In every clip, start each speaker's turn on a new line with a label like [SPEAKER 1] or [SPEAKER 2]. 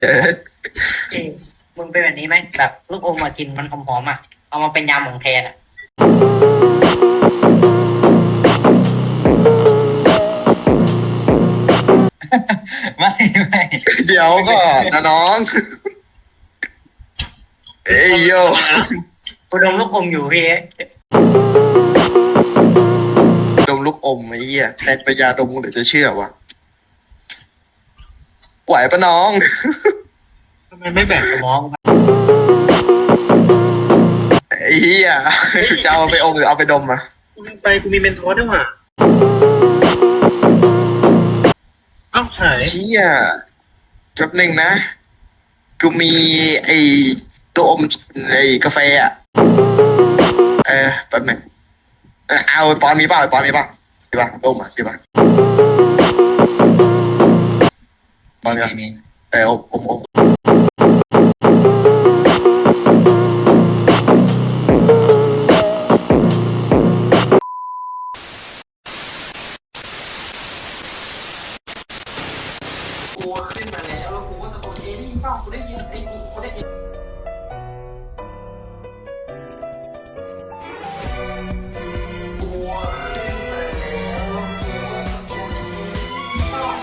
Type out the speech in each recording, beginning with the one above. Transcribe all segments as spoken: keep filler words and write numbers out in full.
[SPEAKER 1] เออ
[SPEAKER 2] เอ้ยมึงเป็นแบบนี้ไหมแบบลูกอมมากินมันหอมๆอ่ะเอามาเป็นยำของแทนอ่ะ ไม่ไม่
[SPEAKER 1] เดี๋ยวก็นะน้องเอ้ยโย
[SPEAKER 2] กูดมลูกอมอยู่พี่
[SPEAKER 1] ดมลูกอมไอ้เหี้ยแทนไปยาดมเดี๋ยวจะเชื่อวะไหวปะน้อง
[SPEAKER 2] ทำไมไม่แบ่งสมอง
[SPEAKER 1] ไอ้เหี้ยจะเอาไปอมหรือเอาไปดมอ่ะ
[SPEAKER 3] กูลืมไปกูมีเมนทอสด้วยว่ะเอ้าหาย
[SPEAKER 1] เหี้ยแป๊บหนึ่งนะกูมีไอ้ตัวอมไอ้กาแฟอ่ะเออแป๊บหนึ่งเออเอาปอนมีเปล่าปอนมีเปล่ามีป่ะดมอ่ะมีป่ะปอนกันเอออมอมอม
[SPEAKER 4] กูขึ้นมาแล้วแล้วกูก็ตะโกนเอ้ยได้ยินเปล่ากูได้ยินไอ้กูกูได้ยินกูขึ้นมาแล้วแล้วกูก็ตะโกนเอ้ยได้ยินเปล่า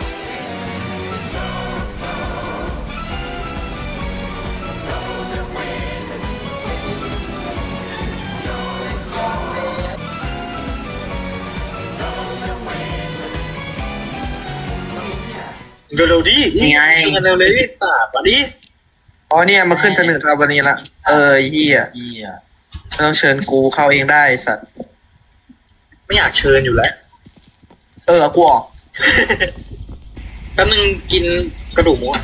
[SPEAKER 3] เร็วๆดิชวนกันเร็วเลยดิตาปะดิ
[SPEAKER 1] อ๋อเนี่ยมาขึ้นเสนอครับวันนี้ละเออไอ้เฮีย
[SPEAKER 2] เหี้ย
[SPEAKER 1] ต้องเชิญกูเข้าเองได้สัตว์
[SPEAKER 3] ไม่อยากเชิญอยู่แล้ว
[SPEAKER 1] เออกูออก
[SPEAKER 3] แป๊บนึงกินกระดูกหมูอ่ะ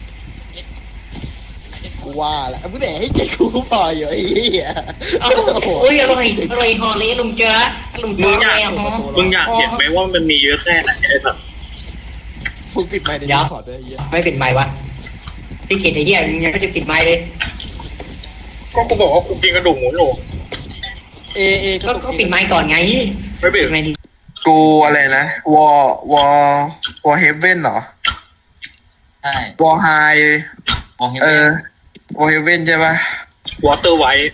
[SPEAKER 4] กูว่าแหละมึงแดกให้เกียรติกูพออยู่ไอ้เหี้ย
[SPEAKER 2] เอ้าโอ้ยอร่อยอร่อยฮอลลี่ลุงเจอลุงเจ
[SPEAKER 3] มึ
[SPEAKER 2] อง
[SPEAKER 3] อยาก
[SPEAKER 2] แล้วฮะ
[SPEAKER 3] มึงอยากเห็นไหมว่ามันมีเยอะแค่ไหนไอ้สัตว์
[SPEAKER 4] มึงปิดไมค์ในนี้ขอด้วยไอ้เหี้ย
[SPEAKER 2] ไม่ปิดไมค์วะพี่กินไอ้เหี้ยยังไม่จะปิดไมค์เลย
[SPEAKER 3] ก็กูบอกว่ากูกินกระดูกหมูอยู่
[SPEAKER 4] เอเอ
[SPEAKER 2] ก็ก็ปิดไมค์ก่อนไง
[SPEAKER 3] ไม่เบ็ด
[SPEAKER 2] ปิดไมค์ดิ
[SPEAKER 1] กูอะไรนะวอวอวอเฮเว่นเหรอ
[SPEAKER 5] ใช่
[SPEAKER 1] วอไฮ
[SPEAKER 5] มองเห็น
[SPEAKER 1] เอ
[SPEAKER 5] ไหม
[SPEAKER 1] อวอเฮเว่นใช่ปะ
[SPEAKER 3] วอเตอร์ไวท์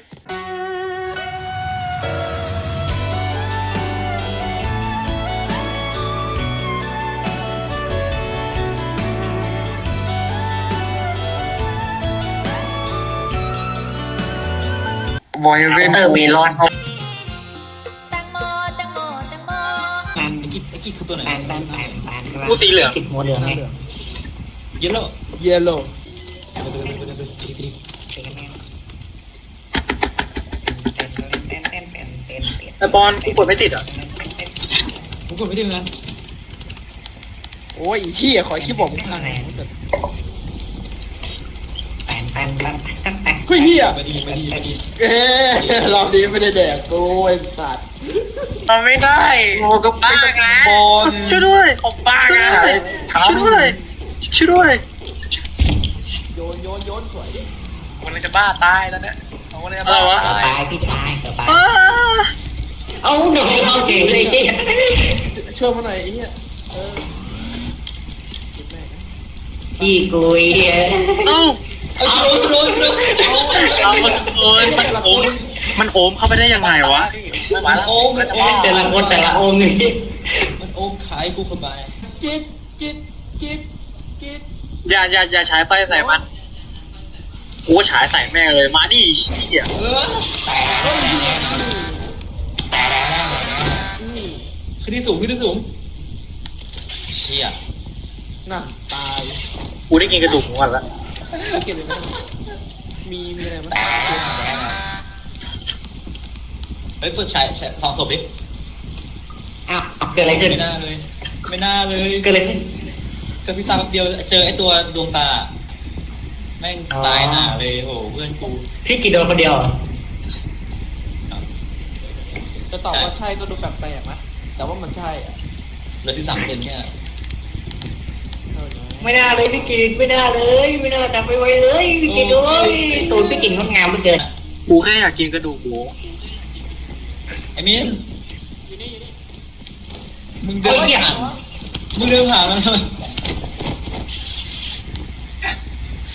[SPEAKER 1] วอเฮเว่น
[SPEAKER 2] เออเมลอน
[SPEAKER 6] แตงโมแตงโมแตงโม
[SPEAKER 2] แปน
[SPEAKER 5] ไอ้กิ๊กไอ้กิ๊กคือตัวไหน
[SPEAKER 2] แปนแปนแปนแปน
[SPEAKER 3] กูสีเหลือง
[SPEAKER 2] ติดหัวเหลืองไง
[SPEAKER 5] เยลโล่
[SPEAKER 4] เยลโล่
[SPEAKER 3] ไอ้บอลกูกดไม่ติดอ่ะ
[SPEAKER 5] ผมกดไม่ได้เหมือนกัน
[SPEAKER 4] โอ้ยไอ้เหี้ยขอคลิปบอกมึงพัง
[SPEAKER 2] แปนแปนแปนแปนแปน
[SPEAKER 4] เฮ้ยเหี้ย
[SPEAKER 5] ไม่ดีไม่ดีไม่ดี
[SPEAKER 4] เอ๊ะรอบนี้ไม่ได้แดกกูไอ้สัตว์
[SPEAKER 3] มันไม่ได้
[SPEAKER 1] โอ้ก็ไม่ต้องบอล
[SPEAKER 3] ช่วยด้วยผมบ้าช่วยด้วยช่วยด้วยช่วยด้วย
[SPEAKER 4] โยนโยนโยนสวย
[SPEAKER 3] มันเลยจะบ้าตายแล้วเนี่ยมันเลยจะบ้าตาย
[SPEAKER 2] ตายพี่ชายเกือบตาย
[SPEAKER 3] อ้า
[SPEAKER 2] เอาหน่อยเอาเก่งเลยเก่ง
[SPEAKER 4] ช่วยมาหน่อยไอ้เหี้ยเออเก็บแม่งนะ
[SPEAKER 2] พี่กุย
[SPEAKER 3] เอ้า
[SPEAKER 5] เอาโดนโดนโดน
[SPEAKER 3] เอามันโอนมันโอนมันโอมเข้าไปได้ยังไงวะ
[SPEAKER 5] มันโอมมันโอม
[SPEAKER 2] แต่ละคนแต่ละองค์นี่
[SPEAKER 5] มันโอมขายกูเข้าไป
[SPEAKER 4] จิตจิตจิตจิต
[SPEAKER 3] อย่าอย่าอย่าฉายไฟใส่มันกูก็ฉายใส่แม่งเลยมาดิเหี้ย
[SPEAKER 5] เออขึ้นที่สูงขึ้นที่สูงเชี่ย
[SPEAKER 4] นั่นตาย
[SPEAKER 3] กูได้กินกระดูกของมันละ
[SPEAKER 4] เก็บเลยไหมมีมีอะไรไหม
[SPEAKER 5] เฮ้ยเปิดฉายฉายสองศพดิ
[SPEAKER 2] อ้าวเกิดอะไรขึ้น
[SPEAKER 5] ไม่น่าเลย ไม่น่าเลย
[SPEAKER 2] เกิดอะไรขึ้น
[SPEAKER 5] กระพริบตาแป๊บเดียวเจอไอ้ตัวดวงตา แม่งตายหน้าเลยโอ้เพื่อนกู
[SPEAKER 2] พี่กี่โดนคนเดียว
[SPEAKER 4] จะตอบว่าใช่ก็ดูแปลกๆนะแต่ว่ามันใช่อ่ะ
[SPEAKER 5] เหลือที่สามเซนเนี่ย
[SPEAKER 4] เออ
[SPEAKER 2] ไม่น่าเลยพี่กินไม่น่าเลยไม่น่าจับไปไว้เลยพี่กินด้วยตูนพี่กินงดงามเหลือเกิน
[SPEAKER 3] กูแค่อยากกินกระดูกหมู
[SPEAKER 5] ไอ้มิน
[SPEAKER 4] อยู่นี่อยู่นี่
[SPEAKER 5] มึงเดินผ่านมึงเดินผ่านมันทำไม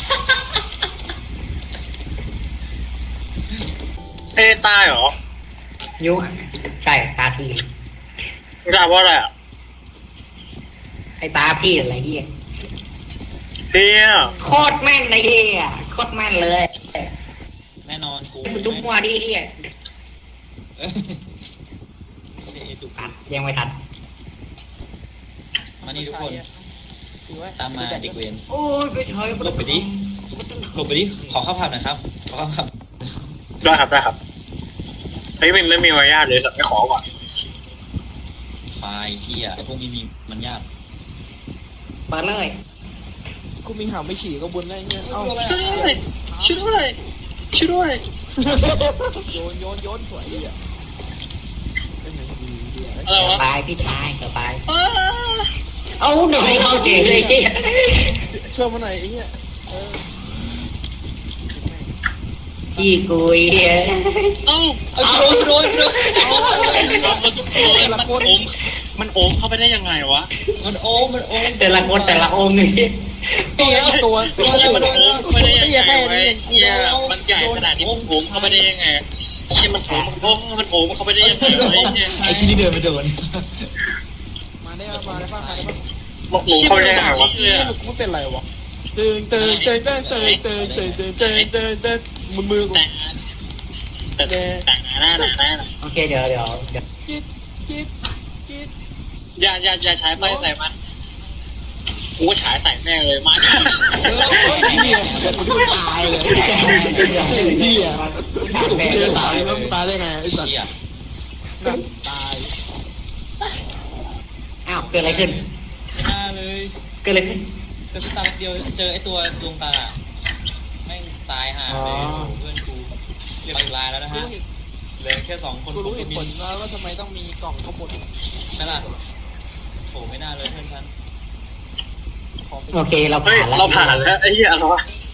[SPEAKER 3] ตายเหรอ
[SPEAKER 2] ยุใช่ตาพี่
[SPEAKER 3] ไม่ได้เพราะอะไรอ่ะ
[SPEAKER 2] ไอ้ตาพี่อะไรเฮีย
[SPEAKER 3] เฮีย
[SPEAKER 2] โคตรแม่นเลยเฮียโคตรแม่นเลย
[SPEAKER 5] แน่นอนกู
[SPEAKER 2] จุ๊บมัวดิเฮีย
[SPEAKER 5] เอ้ยเอ้ยจุก
[SPEAKER 2] ตัดยังไม่ทัน
[SPEAKER 5] มานี่ทุกคนตามมาเด็กเวร
[SPEAKER 2] โอ้ยไปเฉย
[SPEAKER 5] หลบไปดิหลบไปดิขอข้าวผัดหน่อยครับขอข้าวผัด
[SPEAKER 3] ได้ครับได้ครับเฮ้ยไม่ไม่มีมารยาทเลยสัตว์ไม่ขอก่อน
[SPEAKER 5] ควายเฮียไอพวกนี้มีมันยาก
[SPEAKER 2] เปิดเลย
[SPEAKER 4] กูมีหางไม่ฉี่ก็บุญได้เงี้ยเอ้า
[SPEAKER 3] ช่วยด้วยช่วยด้วยช่วยด้วย
[SPEAKER 4] โยนโยนโยนสวยดีอ่ะเป็นไงดีดีอ่ะ
[SPEAKER 3] อะไรวะ
[SPEAKER 2] ตายพี่ชายสบาย
[SPEAKER 3] อ้า
[SPEAKER 2] เอาหน่อยเข้าเจ๋งเลยเฮีย
[SPEAKER 4] ช่วยมาหน่อยไอ้เงี้ยเออ
[SPEAKER 2] พี่กุยเฮีย
[SPEAKER 3] เอ้า
[SPEAKER 5] เอาโดนโดนโดน
[SPEAKER 3] มันโอมมันโอมเข้าไปได้ยังไงวะ
[SPEAKER 5] มันโอมมันโอม
[SPEAKER 2] แต่ละคนแต่ละองค์นี่
[SPEAKER 4] ตัวตัวตัว
[SPEAKER 3] เฮียมัน
[SPEAKER 4] ตัว
[SPEAKER 3] โอมเข้าไปได้ยัง
[SPEAKER 4] ไอ้
[SPEAKER 3] ไง
[SPEAKER 4] แค่
[SPEAKER 3] วะ
[SPEAKER 4] นี้
[SPEAKER 3] เฮียมันใหญ่ขนาดนี้มันโอมเข้าไปได้ยังไงเฮียมันโอมโอ้มันโอมเข้าไปได้ยังไงวะเฮีย
[SPEAKER 5] ไอชิ้นนี้เดินไปโดน
[SPEAKER 4] มาได้มาได้ป่ะมาได้ป่ะ
[SPEAKER 3] มันโอมเข้าไปได้ยังไงวะ
[SPEAKER 4] เฮ้ยมึงไม่เป็นไรวะตึงตึงตึงตึงตึงตึงตึงตึงตึงตึงตึงมือมือกู
[SPEAKER 3] แต่แต่แต่หน้าหนาหน้า
[SPEAKER 2] โอเคเดี๋ยวเดี๋ยวเดี๋ยว
[SPEAKER 4] กิ๊ดกิ๊ดกิ๊ด
[SPEAKER 3] อย่าอย่าอย่าใช้ไฟใส่มันกูฉายใส่แม่งเลยมาดิ
[SPEAKER 4] เฮ้ยเหี้ยเดี๋ยวกูตายเลยเหี้ยกูเดินตายแล้วตายได้ไงไอ้สัตว์
[SPEAKER 5] เฮีย
[SPEAKER 4] นั่นตาย
[SPEAKER 2] อ้าวเกิดอะไรขึ้น
[SPEAKER 5] ไม่น่าเลย
[SPEAKER 2] เกิดอะไรขึ้น
[SPEAKER 5] เจอตาเดียวเจอไอตัวดวงตาแม่งตายห่าเลยเพื่อนกูเรียบร้อยแล้วนะฮะเหลือแค่สองคน
[SPEAKER 4] กูรู้เหตุ
[SPEAKER 5] มิ
[SPEAKER 4] ผล
[SPEAKER 5] น
[SPEAKER 4] แล้วว่าทำไมต้องมีกล่องข้างบน
[SPEAKER 5] นั่นล่ะโหไม่น่าเลยเพื่อนฉัน
[SPEAKER 4] ของ
[SPEAKER 2] โอเคเรา
[SPEAKER 3] เฮ้ย
[SPEAKER 2] ผ่านแล้ว
[SPEAKER 3] เราผ่านแล้วไอ้เหี้ยอะไรวะ